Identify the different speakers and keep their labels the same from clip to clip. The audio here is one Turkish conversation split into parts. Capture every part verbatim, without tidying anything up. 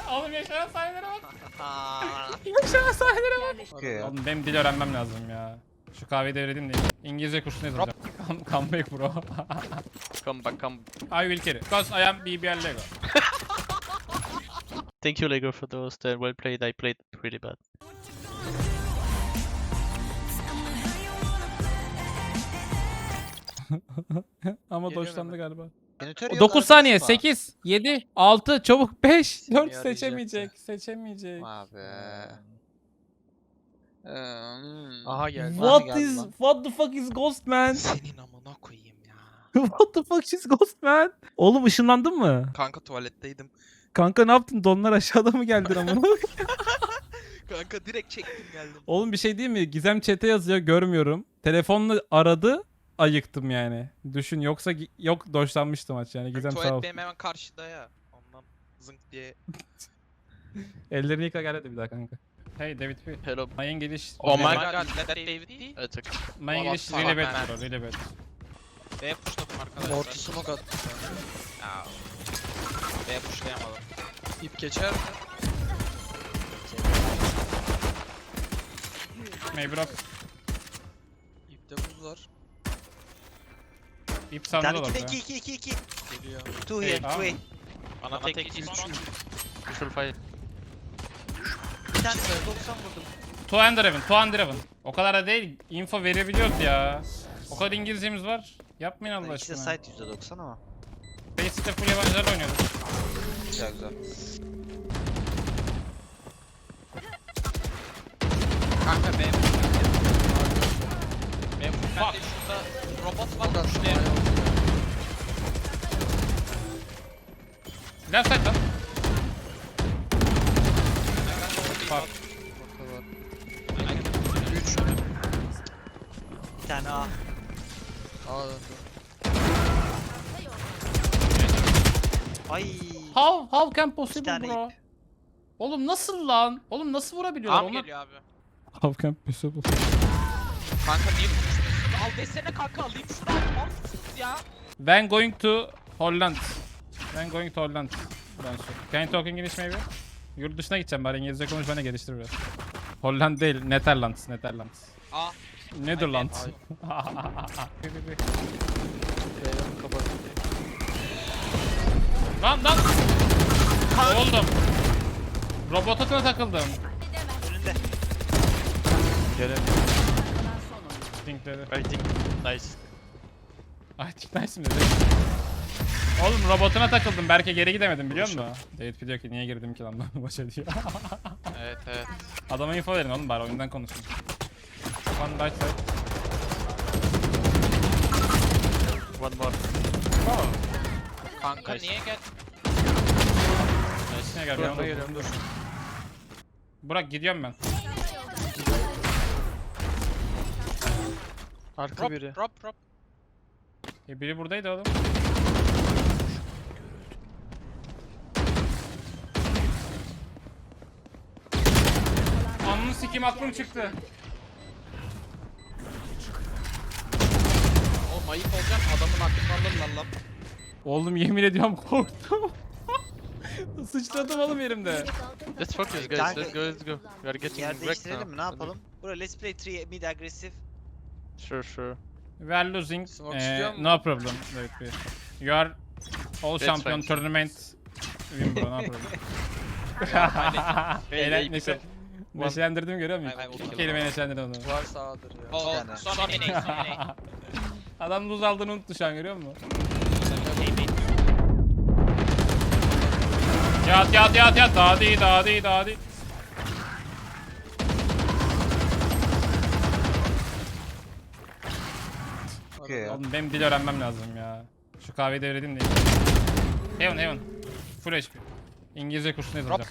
Speaker 1: Oğlum yaşanan sahnelere bak. Yaşanan sahnelere bak.
Speaker 2: Okay.
Speaker 1: Oğlum benim dil öğrenmem lazım ya. Şu kahveyi devredeyim de İngilizce kursuna yazacağım. Come, come back bro.
Speaker 3: Come back, come.
Speaker 1: I will carry. Because I am B B L Lego.
Speaker 3: Thank you, Lego, for those. They're well played. I played pretty bad.
Speaker 1: Ama
Speaker 2: Geliyor
Speaker 1: doşlandı
Speaker 2: hemen.
Speaker 1: galiba.
Speaker 2: Jeneratör yok,
Speaker 1: dokuz saniye.
Speaker 2: arkasına.
Speaker 1: sekiz, yedi, altı, çabuk beş,
Speaker 2: Seni
Speaker 1: dört
Speaker 2: arayacaktı.
Speaker 1: seçemeyecek. Seçemeyecek.
Speaker 2: Abi. Hmm.
Speaker 4: Aha geldi.
Speaker 1: What
Speaker 2: geldi
Speaker 1: is
Speaker 2: lan.
Speaker 1: what the fuck is Ghost man?
Speaker 4: Senin amına koyayım ya.
Speaker 1: What the fuck is Ghost man? Oğlum ışınlandın mı?
Speaker 4: Kanka tuvaletteydim.
Speaker 1: Kanka ne yaptın? Donlar aşağıda mı geldi ama?
Speaker 4: Kanka direkt çektim geldim.
Speaker 1: Oğlum bir şey değil mi? Gizem chat'e yazıyor görmüyorum. Telefonla aradı. Ayıktım yani. Düşün yoksa gi- yok doşlanmıştım maç yani. Gizem sağ ol.
Speaker 4: Tuvalet benim hemen karşıda ya. Ondan zınk diye.
Speaker 1: Ellerini yıka gel hadi bir daha kanka. Hey David P.
Speaker 3: Hello.
Speaker 1: My English.
Speaker 3: Oh my
Speaker 4: Oh
Speaker 3: god.
Speaker 4: my god, let that David be.
Speaker 3: It's okay.
Speaker 1: My English really bad bro, really bad.
Speaker 4: B'ye pushladım arkadaşlar.
Speaker 2: Orta smoke attı.
Speaker 4: Ya. B'ye pushlayamadım.
Speaker 2: İp geçer mi?
Speaker 1: Maybe rock.
Speaker 2: İpte buz var.
Speaker 1: İp sandı
Speaker 5: Yani
Speaker 1: olur
Speaker 5: iki
Speaker 1: be.
Speaker 5: iki iki iki iki.
Speaker 2: Geliyor.
Speaker 5: Two
Speaker 1: Hey,
Speaker 5: here, two
Speaker 1: aa.
Speaker 5: here.
Speaker 4: Bana tek iki üç.
Speaker 3: Visual fire.
Speaker 5: Bir tane doksan vurdum.
Speaker 1: Two under even, two under even. O kadar da değil. Info verebiliyoruz ya. O kadar İngilizcemiz var. Yapmayın Allah
Speaker 5: İkisi de
Speaker 1: aşkına.
Speaker 5: site yüzde doksan ama.
Speaker 1: Faceit'te full yabancılarla oynuyorduk.
Speaker 2: Güzel güzel.
Speaker 4: Kanka B pushlayamadım. B pushlayamadım. Şurada robot var pushlayamadım.
Speaker 1: Left side lan. Fuck.
Speaker 2: üç.
Speaker 5: Bir tane A.
Speaker 2: Aa döndü.
Speaker 5: Ay.
Speaker 1: How, how can possible
Speaker 5: tane
Speaker 1: bro? Oğlum nasıl lan? Oğlum nasıl vurabiliyorlar
Speaker 4: Am
Speaker 1: onlar?
Speaker 4: geliyor abi.
Speaker 1: How can possible?
Speaker 4: Kanka niye konuşmuyorsun? Al desene kanka alayım şunu al. Al mısınız ya?
Speaker 1: Ben going to Holland. Ben going to Holland. Ben şu. Can you talk English maybe? Yurt dışına gideceğim bari İngilizce konuş bana geliştir biraz. Holland değil, Netherlands, Netherlands.
Speaker 4: A.
Speaker 1: Netherlands.
Speaker 2: B'yi kapat.
Speaker 1: Lan lan! Oldum. Robot atına takıldım.
Speaker 5: Önünde.
Speaker 3: Gelemiyorum.
Speaker 1: Think dedi.
Speaker 3: I think nice.
Speaker 1: Ay think nice mi dedi? Oğlum robotuna takıldım. Berke geri gidemedim biliyor musun? David diyor ki niye girdim ki lan ben başa diyor.
Speaker 4: Evet evet.
Speaker 1: Adama info verin oğlum bari oyundan konuşun. One right side.
Speaker 3: One more.
Speaker 1: Oh.
Speaker 4: Kanka
Speaker 3: Nice.
Speaker 4: niye gel?
Speaker 1: Nice. Gel,
Speaker 2: Yanına
Speaker 1: gel.
Speaker 2: geliyorum dur.
Speaker 1: Burak gidiyorum ben.
Speaker 2: Arka
Speaker 4: Drop
Speaker 2: biri.
Speaker 4: drop drop.
Speaker 1: E, biri buradaydı oğlum. Anını sikim aklım çıktı.
Speaker 4: Oğlum ayıp olacak adamın aklını alırlar lan.
Speaker 1: Oğlum yemin ediyorum korktum. Sıçradım oğlum yerimde.
Speaker 3: Let's focus, guys.
Speaker 5: Kanka-
Speaker 3: Let's go, let's go. We are getting
Speaker 5: Yer
Speaker 3: wrecked
Speaker 5: değiştirelim
Speaker 3: now.
Speaker 5: mi? Ne yapalım? Bro let's play three mid aggressive.
Speaker 3: Sure, sure.
Speaker 1: We are losing.
Speaker 2: Smoke
Speaker 1: Eh,
Speaker 2: istiyor mu?
Speaker 1: no problem. David Bey. You are all
Speaker 3: That's
Speaker 1: champion
Speaker 3: fine.
Speaker 1: tournament. Win bro no problem.
Speaker 3: Hey,
Speaker 1: Eğlen,
Speaker 3: hey,
Speaker 1: neşe, neşelendirdim görüyor musun?
Speaker 4: Ay, ay,
Speaker 1: İki
Speaker 4: okey.
Speaker 1: kelime neşelendirdim onu.
Speaker 2: Var sağdır ya.
Speaker 4: Oh,
Speaker 5: tane.
Speaker 4: son eney son eney.
Speaker 1: Adam luz aldığını unuttu şu an görüyor musun? Yat yat yat yat dadi dadi dadi.
Speaker 5: Okay.
Speaker 1: Oğlum benim dil öğrenmem lazım ya. Şu kahveyi devredeyim de. Heaven heaven. Full H P. İngilizce kursuna yazacağım.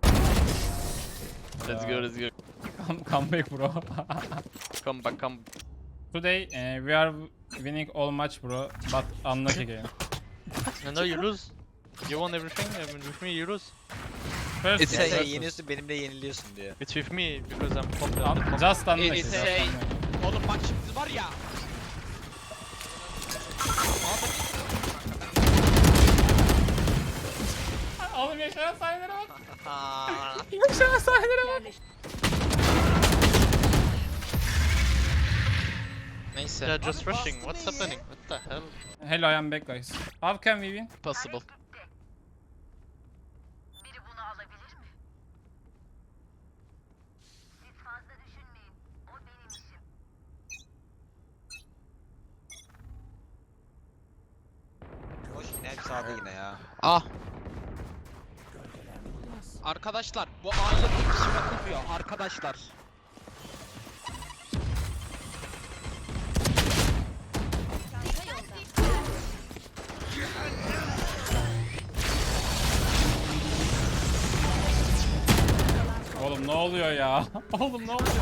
Speaker 3: Let's go, let's go.
Speaker 1: Come, come back bro.
Speaker 3: Come back, come.
Speaker 1: Today uh, we are winning all match bro, but unlucky game.
Speaker 3: No, no, you lose. You won everything. I mean, with me, you lose.
Speaker 1: First
Speaker 2: It's
Speaker 5: Sen
Speaker 2: a-
Speaker 1: versus-
Speaker 5: yeniyorsun benimle yeniliyorsun diyor.
Speaker 3: It's with me because I'm top.
Speaker 1: Un-
Speaker 3: I'm top.
Speaker 1: Just unlucky.
Speaker 4: It's
Speaker 1: just
Speaker 4: a-
Speaker 1: unlucky.
Speaker 4: Oğlum bak şimdi var ya.
Speaker 1: Oğlum yaşanan sahnelere bak.
Speaker 5: Aa,
Speaker 1: Yaşanan sahnelere bak.
Speaker 4: Neyse.
Speaker 3: Yeah, just rushing. What's happening? What the hell?
Speaker 1: Hello, I am back guys. How can we win?
Speaker 3: Possible.
Speaker 5: hoş yine hep sağda yine ya.
Speaker 4: Ah. Arkadaşlar bu A'ya bir kişi bakılmıyor arkadaşlar.
Speaker 1: Oğlum ne oluyor ya? Oğlum ne oluyor?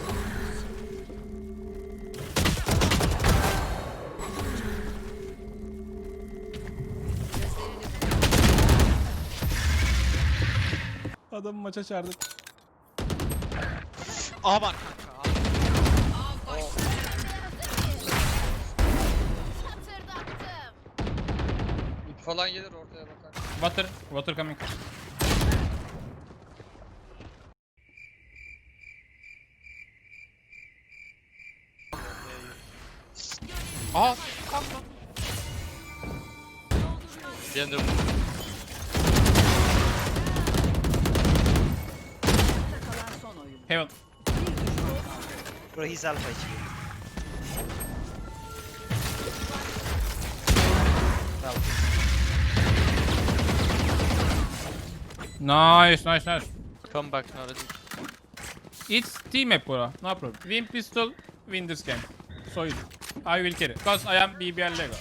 Speaker 1: Adamı maça çağırdık.
Speaker 4: A var kanka. A.
Speaker 2: İp falan gelir ortaya bakar.
Speaker 1: Water, water coming.
Speaker 4: A kanka.
Speaker 3: Behind the
Speaker 1: Heaven.
Speaker 5: Bro he's alpha H P. Bravo.
Speaker 1: Nice, nice, nice.
Speaker 3: come back now. Let's
Speaker 1: It's team map bro. No problem. Win pistol, win this game. So easy. I will carry. Cause I am B B L Lego.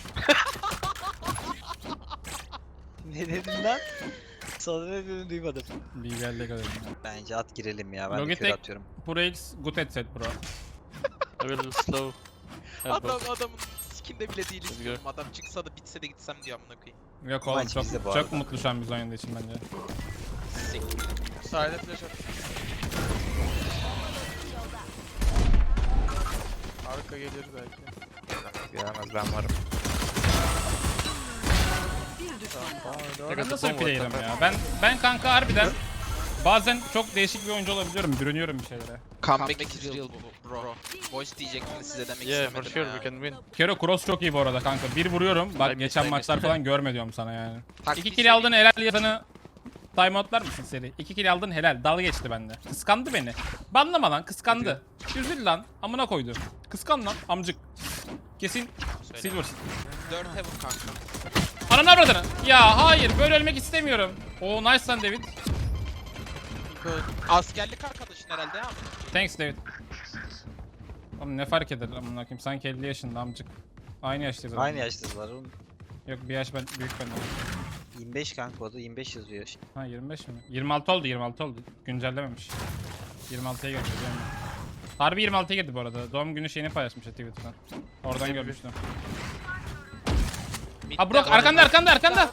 Speaker 5: Ne dedin lan? Sana ne dediğini duymadım.
Speaker 1: B B L Lego dedim.
Speaker 5: Bence at girelim ya, ben de
Speaker 1: Logitech
Speaker 5: kör atıyorum.
Speaker 1: Pro X good headset bro.
Speaker 3: I will slow.
Speaker 4: Adam
Speaker 3: Elbow.
Speaker 4: adamın skinde bile değiliz
Speaker 3: Let's go.
Speaker 4: diyorum. Adam çıksa da bitse de gitsem diyor amına koyayım.
Speaker 1: Yok oğlum
Speaker 5: Maç
Speaker 1: çok,
Speaker 5: bizde bu
Speaker 1: çok
Speaker 5: arada.
Speaker 1: mutlu şu an biz oynadığı için bence.
Speaker 2: Sahile flash at. Arka gelir belki.
Speaker 5: Gelemez, ben varım.
Speaker 3: I
Speaker 1: Ben
Speaker 3: got
Speaker 1: nasıl
Speaker 3: the
Speaker 1: bir
Speaker 3: bomb.
Speaker 1: player'ım
Speaker 3: What the
Speaker 1: ya? Ben ben kanka harbiden bazen çok değişik bir oyuncu olabiliyorum. Bürünüyorum bir şeylere.
Speaker 4: Comeback is real bu- bro. Voice diyecektim de size demek
Speaker 3: Yeah, for
Speaker 4: istemedim
Speaker 3: sure
Speaker 4: ya.
Speaker 3: we can win.
Speaker 1: Kero cross çok iyi bu arada kanka. Bir vuruyorum. Bak
Speaker 3: I missed,
Speaker 1: geçen
Speaker 3: I
Speaker 1: maçlar
Speaker 3: missed.
Speaker 1: falan görme diyorum sana yani.
Speaker 4: Taktiği
Speaker 1: İki kill aldın helal yazanı timeoutlar mısın seri? İki kill aldın helal. Dalga geçti bende. Kıskandı beni. Banlama lan, kıskandı. Üzül lan. Amına koydu. Kıskan lan amcık. Kesin
Speaker 4: Söyle.
Speaker 1: silversin.
Speaker 4: dört heaven kanka.
Speaker 1: Ananı avradını. Ya hayır böyle ölmek istemiyorum. Oo nice lan David.
Speaker 4: Askerlik arkadaşın herhalde ya.
Speaker 1: Thanks David. Oğlum ne fark eder amına koyayım, sanki elli yaşında amcık. Aynı yaştayız. adam.
Speaker 5: Aynı yaştalar oğlum.
Speaker 1: Yok bir yaş ben, büyük benden.
Speaker 5: yirmi beş kanka, o da yirmi beş yazıyor.
Speaker 1: Ha yirmi beş mi? yirmi altı oldu, yirmi altı oldu. Güncellememiş. yirmi altıya girdi. değil mi? Harbi yirmi altıya girdi bu arada. Doğum günü şeyini paylaşmış Twitter'dan. Oradan görmüştüm. Ha Brock arkanda arkanda arkanda.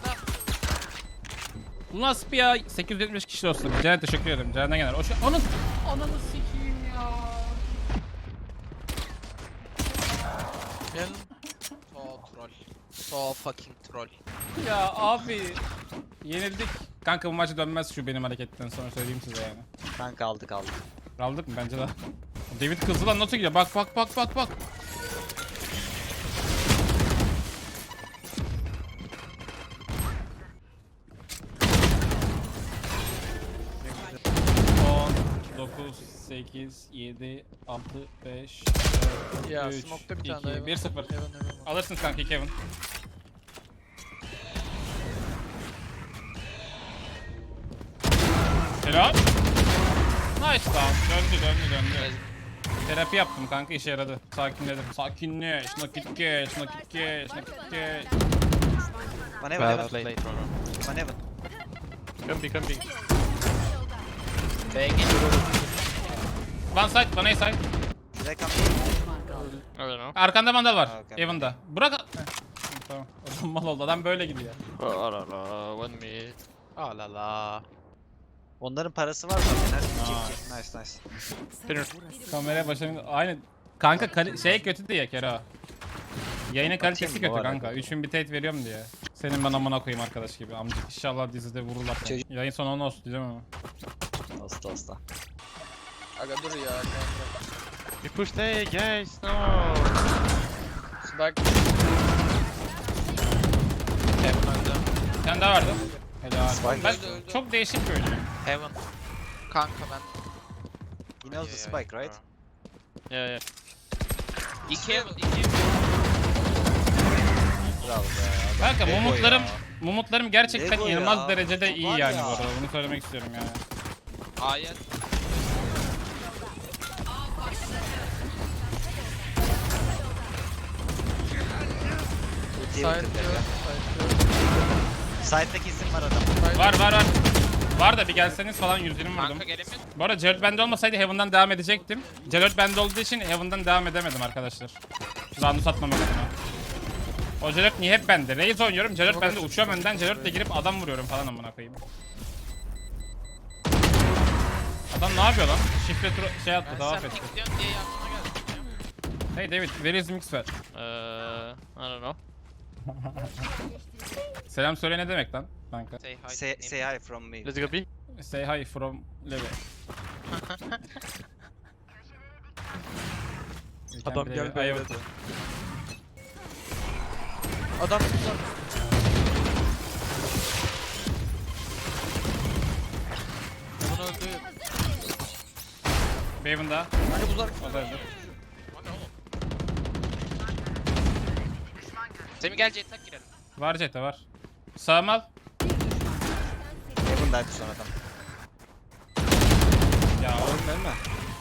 Speaker 1: Bu nasıl bir ya? sekiz yüz yetmiş kişi dostum. Ceren teşekkür ederim. Ceren'den gelir. O şey onun ananı sikeyim ya.
Speaker 3: Gel.
Speaker 4: So troll. So fucking troll.
Speaker 1: Ya abi yenildik. Kanka bu maçı dönmez şu benim hareketten sonra, söyleyeyim size yani.
Speaker 5: Kanka aldık aldık.
Speaker 1: Aldık mı? Bence de. David kızdı lan, nasıl gidiyor? Bak bak bak bak bak. on, dokuz, sekiz, yedi, altı, beş,
Speaker 2: Ya
Speaker 1: üç,
Speaker 2: smoke'ta bir tane
Speaker 1: iki,
Speaker 2: daha heaven.
Speaker 1: bir sıfır.
Speaker 2: Heaven, heaven var.
Speaker 1: Alırsınız kanka Kevin. Helal. Nice lan. Döndü döndü döndü. Terapi yaptım kanka, işe yaradı. Sakinledim. Sakinleş, nakit geç, nakit geç, nakit geç.
Speaker 5: One heaven,
Speaker 3: Bad
Speaker 5: heaven.
Speaker 3: play, bro.
Speaker 5: One heaven.
Speaker 3: Come be, come be.
Speaker 4: B'ye geliyor.
Speaker 1: One side, one A side.
Speaker 5: Should I come?
Speaker 3: I don't know.
Speaker 1: Arkanda mandal var.
Speaker 5: Ha, okay.
Speaker 1: Evan'da. Burak... Heh, tamam. Adam mal oldu. Adam böyle gidiyor.
Speaker 3: Oh la la, one mid.
Speaker 4: Ah la la.
Speaker 5: Onların parası var zaten. Her kim kim. Nice nice.
Speaker 3: Spinner.
Speaker 1: Kameraya başlayalım. Aynı. Kanka kali- şey kötü diye Kero. Yayının kalitesi
Speaker 5: Atayım mı?
Speaker 1: kötü
Speaker 5: O var
Speaker 1: kanka.
Speaker 5: hakikaten.
Speaker 1: üç bin bitrate veriyorum diye. Senin ben amına koyayım arkadaş gibi amcık. İnşallah dizide vururlar seni.
Speaker 5: Çocuk-
Speaker 1: Yayın sonu onu olsun diyeceğim ama.
Speaker 5: Hasta hasta.
Speaker 2: Aga dur ya.
Speaker 3: We pushed A, guys. No.
Speaker 2: Spike.
Speaker 4: Heaven öldü.
Speaker 1: Bir tane daha vardı. Helal.
Speaker 5: Spike
Speaker 1: Ben
Speaker 2: öldü, öldü.
Speaker 1: çok değişik bir oyuncuyum.
Speaker 4: Heaven. Kanka ben.
Speaker 5: He knows the spike, right?
Speaker 3: Yeah, yeah.
Speaker 4: İki Heaven, iki Heaven.
Speaker 5: Bravo be.
Speaker 1: Kanka
Speaker 5: Lego
Speaker 1: mumutlarım,
Speaker 5: ya.
Speaker 1: mumutlarım gerçekten
Speaker 5: Lego
Speaker 1: inanılmaz
Speaker 5: ya.
Speaker 1: derecede iyi
Speaker 5: Var
Speaker 1: yani
Speaker 5: ya.
Speaker 1: bu arada. Bunu söylemek istiyorum yani.
Speaker 4: Ayet.
Speaker 5: Ultiye
Speaker 2: Side
Speaker 5: bitirdi
Speaker 2: diyor.
Speaker 5: ya.
Speaker 2: Side
Speaker 5: Side'daki isim var adam.
Speaker 1: Var var var. Var da bir gelseniz falan yüz yirmi vurdum.
Speaker 4: Kanka gelemiyor.
Speaker 1: Bu arada Jared bende olmasaydı Heaven'dan devam edecektim. Jared bende olduğu için Heaven'dan devam edemedim arkadaşlar. Round'u satmamak adına. O Jared niye hep bende? Raze oynuyorum, Jared bende uçuyorum önden, Jared'le girip adam vuruyorum falan amına koyayım. Adam ne yapıyor lan? Şifre turu şey attı,
Speaker 4: Ben
Speaker 1: tavaf
Speaker 4: sen
Speaker 1: etti.
Speaker 4: pick diyorsun diye yardıma geldim.
Speaker 1: Hey David, where is Mixer?
Speaker 3: Uh, I don't know.
Speaker 1: Selam söyle ne demek lan kanka?
Speaker 4: Say hi.
Speaker 5: Say, say hi from me.
Speaker 3: Let's go B.
Speaker 1: Say hi from Levi.
Speaker 2: Adam
Speaker 1: Levi,
Speaker 2: geldi
Speaker 1: I
Speaker 2: öyle
Speaker 1: have-
Speaker 2: de. Adam tutar. Bunu öldü.
Speaker 1: Baven'da.
Speaker 2: Hani uzak.
Speaker 1: O da öldü.
Speaker 4: O ne oğlum? Semih gel Jet'e girelim.
Speaker 1: Var Jet'e var. Sağım al.
Speaker 5: Heaven'daydı son adam.
Speaker 1: Ya oğlum.
Speaker 5: Oğlum mi?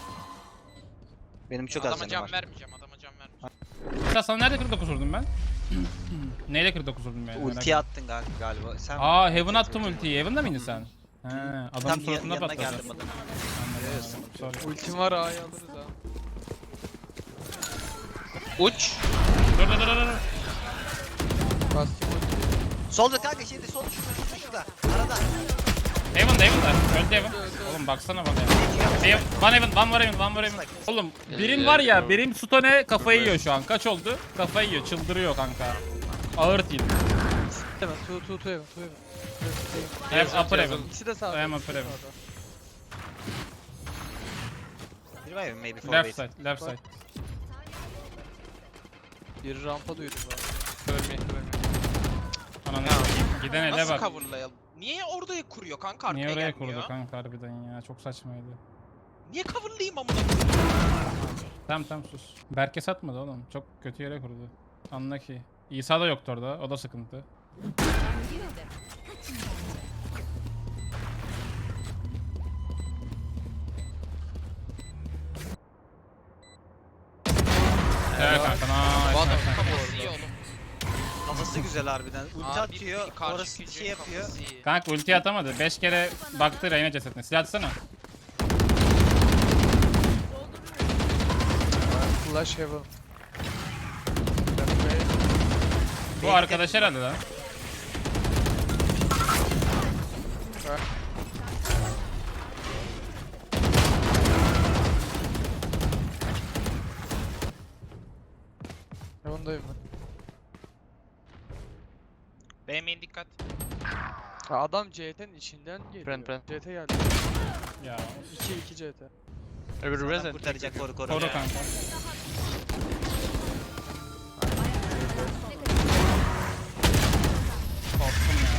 Speaker 5: Benim çok az
Speaker 4: Adama
Speaker 5: canım
Speaker 4: can
Speaker 5: var.
Speaker 4: vermeyeceğim, adama can vermeyeceğim.
Speaker 1: Ya sana nerede kırk dokuz vurdum ben? Neyle kırk dokuz vurdum yani? merak
Speaker 5: Ulti attın gal- galiba. Sen
Speaker 1: Aa Heaven attım ultiyi. Heaven'da mıydın sen? He, adamın
Speaker 5: Tam yan-
Speaker 1: suratına
Speaker 5: yanına
Speaker 1: patladı.
Speaker 5: geldim adamın.
Speaker 1: Anladım, sorry.
Speaker 2: Ultim var A'yı alırız ha.
Speaker 4: Uç.
Speaker 1: Dur dur dur dur.
Speaker 2: Bastım ultiyi.
Speaker 5: Solda kanka şeyde solda şurada şurada şurada. Arada.
Speaker 1: Heaven'da Heaven'da. Öldü Heaven. Oğlum baksana bana ya. Heaven, one Heaven, one var Heaven, one var Heaven. Oğlum birin var ya, birim Stone kafayı yiyor şu an. Kaç oldu? Kafayı yiyor, çıldırıyor kanka. Ağır değil.
Speaker 2: Hemen two two two heaven two heaven.
Speaker 1: Hem upper Heaven.
Speaker 2: İkisi de sağda.
Speaker 1: Hem
Speaker 2: ikisi
Speaker 1: upper
Speaker 2: de
Speaker 1: heaven.
Speaker 2: sağda.
Speaker 5: Bir var ya maybe for
Speaker 1: Left
Speaker 5: wait.
Speaker 1: side, left side.
Speaker 2: Bir rampa duydum ben.
Speaker 4: Görmeye görmeye.
Speaker 1: Ananı
Speaker 4: Ya,
Speaker 1: satayım. Giden ele
Speaker 4: Nasıl
Speaker 1: bak.
Speaker 4: coverlayalım? Niye orada kuruyor kanka arkaya
Speaker 1: Niye oraya
Speaker 4: gelmiyor?
Speaker 1: kurdu kanka harbiden ya? Çok saçmaydı.
Speaker 4: Niye coverlayayım amına koyayım?
Speaker 1: Tamam tamam sus. Berke satmadı oğlum. Çok kötü yere kurdu. Anla ki. İsa da yoktu orada. O da sıkıntı. Evet kanka.
Speaker 4: Bu
Speaker 1: Nice,
Speaker 4: adam
Speaker 1: nice, nice.
Speaker 4: kafası iyi oğlum.
Speaker 5: Kafası güzel harbiden. Ulti
Speaker 4: Abi,
Speaker 5: atıyor.
Speaker 4: bir karşı
Speaker 5: Orası
Speaker 4: gücün
Speaker 5: şey yapıyor.
Speaker 4: kafası iyi.
Speaker 1: Kanka ulti atamadı. beş kere baktı Reyna cesetine. Silah atsana.
Speaker 2: Flash heaven.
Speaker 1: Bu arkadaş herhalde lan.
Speaker 2: Heaven'dayım ben.
Speaker 4: Beğenmeyin dikkat.
Speaker 2: Ha, adam C T'nin içinden geliyor.
Speaker 3: Pren, pren.
Speaker 2: C T geldi.
Speaker 1: Ya
Speaker 2: iki iki C T.
Speaker 3: Every
Speaker 5: Adam
Speaker 3: resin.
Speaker 5: kurtaracak koru koru.
Speaker 1: koru kanka. Korktum ya.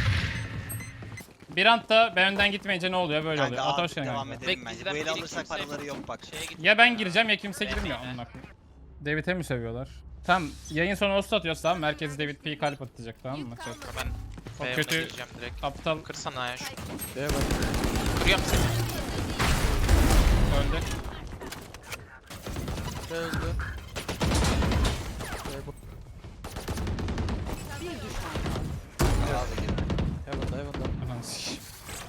Speaker 1: Bir anda ben önden gitmeyince ne oluyor? Böyle oluyor.
Speaker 5: Kanka
Speaker 1: Ata hoş
Speaker 5: artık
Speaker 1: geldin
Speaker 5: devam
Speaker 1: kanka.
Speaker 5: edelim
Speaker 4: Bek
Speaker 5: bence.
Speaker 4: bizden
Speaker 5: Bu eli
Speaker 4: biri
Speaker 5: alırsak
Speaker 4: kimse-
Speaker 5: paraları yok bak.
Speaker 4: Şeye git.
Speaker 1: Ya ben gireceğim ya kimse
Speaker 4: Ben
Speaker 1: girmiyor.
Speaker 4: bekle.
Speaker 1: Amına koyayım. David'e mi sövüyorlar? Tamam yayın sonu host atıyoruz tamam. Merkez David P kalp atacak tamam mı? Çok
Speaker 4: Ben
Speaker 1: Çok
Speaker 4: B'ye
Speaker 1: kötü.
Speaker 4: gireceğim direkt.
Speaker 1: aptal
Speaker 4: Kırsana ya şu.
Speaker 2: B'ye bak.
Speaker 4: Kırıyorum seni.
Speaker 1: öldü.
Speaker 2: B öldü. B bu. Heaven'da heaven'da.
Speaker 1: Ananı sikeyim.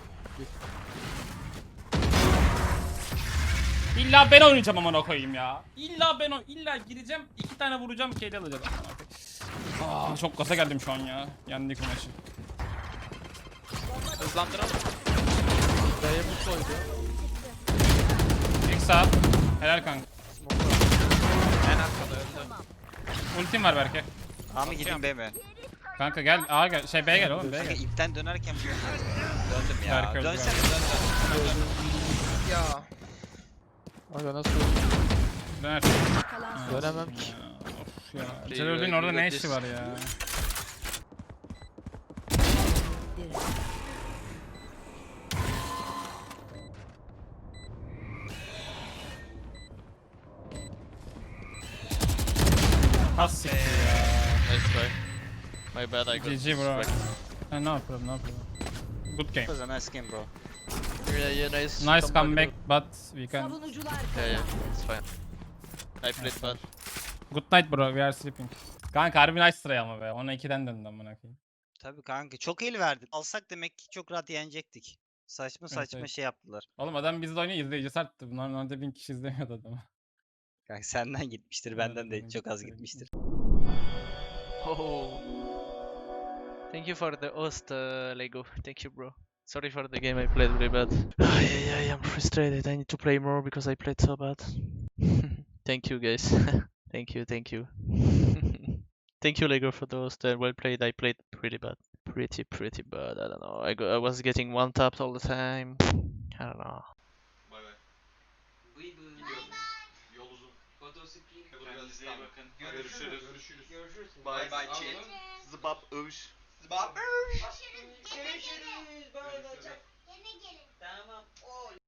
Speaker 1: İlla ben oynayacağım amına koyayım ya. İlla ben o illa gireceğim iki tane vuracağım kedi alacağım. Amına koyayım. Aa çok gaza geldim şu an ya. Yendik bu maçı.
Speaker 4: Hızlandıralım.
Speaker 2: B'ye bu koydu.
Speaker 1: İlk sağ. Helal kanka.
Speaker 2: Smoke'da.
Speaker 4: En arkada öldü.
Speaker 1: Ultim var belki.
Speaker 5: A mı gideyim B mi?
Speaker 1: Kanka gel A gel. Şey B gel oğlum B
Speaker 5: Kanka
Speaker 1: gel.
Speaker 5: ipten dönerken döndüm ya.
Speaker 1: Berk öldü
Speaker 5: Dönsene
Speaker 1: galiba.
Speaker 5: dön dön.
Speaker 2: Ya. Aga nasıl
Speaker 1: Döner.
Speaker 2: dönemem ki.
Speaker 1: Of ya.
Speaker 3: Play
Speaker 1: Celil'in
Speaker 3: like
Speaker 1: orada ne
Speaker 3: this.
Speaker 1: işi var ya? Has siktir ya.
Speaker 3: Nice try. My bad, I got
Speaker 1: G G bro.
Speaker 3: wrecked.
Speaker 1: Ha, no problem no problem. Good game.
Speaker 5: It was a nice game bro.
Speaker 3: Yeah, yeah, nice.
Speaker 1: Nice comeback
Speaker 3: bro.
Speaker 1: but we can.
Speaker 6: Savunucular
Speaker 3: Yeah, yeah, it's fine. I played bad.
Speaker 1: Good night bro, we are sleeping. Kanka harbi nice try ama be. Ona ikiden döndü amına koyayım.
Speaker 5: Tabii kanka çok el verdik. Alsak demek ki çok rahat yenecektik. Saçma
Speaker 1: Evet,
Speaker 5: saçma
Speaker 1: evet.
Speaker 5: şey yaptılar.
Speaker 1: Oğlum adam bizde oynuyor izleyicisi arttı. Normalde bin kişi izlemiyordu adamı.
Speaker 5: Kanka senden gitmiştir, benden de
Speaker 1: Aynen,
Speaker 5: çok az
Speaker 1: aynen.
Speaker 5: gitmiştir.
Speaker 3: Oh. Thank you for the host, uh, Lego. Thank you, bro. Sorry for the game I played really bad. Ay, ay, ay, I'm frustrated. I need to play more because I played so bad. Thank you, guys. Thank you, thank you. Thank you, Lego, for the host. Uh, well played. I played pretty bad. Pretty, pretty bad. I don't know. I, go, I was getting one tapped all the time. I don't know.
Speaker 7: Yol uzun. Kendinize iyi bakın. Görüşürüz. Görüşürüz. Görüşürüz. Bye bye chat. Zıbap övüş. Zıbap övüş. Görüşürüz. Görüşürüz. Böyle olacak. Gene gelin. Tamam. Oy.